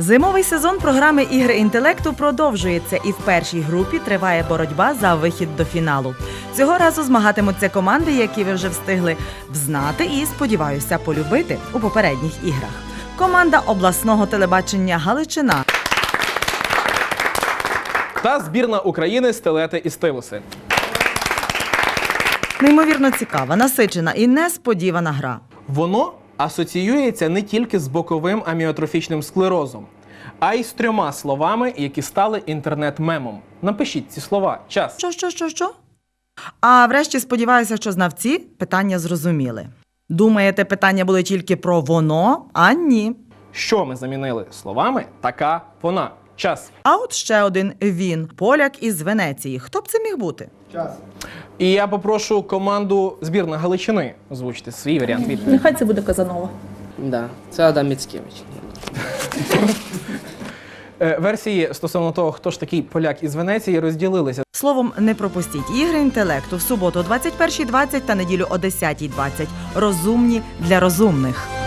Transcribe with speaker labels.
Speaker 1: Зимовий сезон програми «Ігри інтелекту» продовжується, і в першій групі триває боротьба за вихід до фіналу. Цього разу змагатимуться команди, які ви вже встигли взнати і, сподіваюся, полюбити у попередніх іграх. Команда обласного телебачення «Галичина»
Speaker 2: та збірна України «Стилети і стилуси».
Speaker 1: Неймовірно цікава, насичена і несподівана гра.
Speaker 2: Воно асоціюється не тільки з боковим аміотрофічним склерозом, а й з 3 словами, які стали інтернет-мемом. Напишіть ці слова. Час.
Speaker 1: Що? А врешті сподіваюся, що знавці питання зрозуміли. Думаєте, питання були тільки про воно? А ні.
Speaker 2: Що ми замінили словами «така», «вона». Час.
Speaker 1: А от ще один він – поляк із Венеції. Хто б це міг бути?
Speaker 3: Час.
Speaker 2: І я попрошу команду збірна Галичини озвучити свій варіант відповіді.
Speaker 4: Нехай це буде Казанова.
Speaker 3: Да, це Адам Міцкевич.
Speaker 2: Версії стосовно того, хто ж такий поляк із Венеції, розділилися.
Speaker 1: Словом, не пропустіть ігри інтелекту в суботу о 21:20 та неділю о 10:20. Розумні для розумних.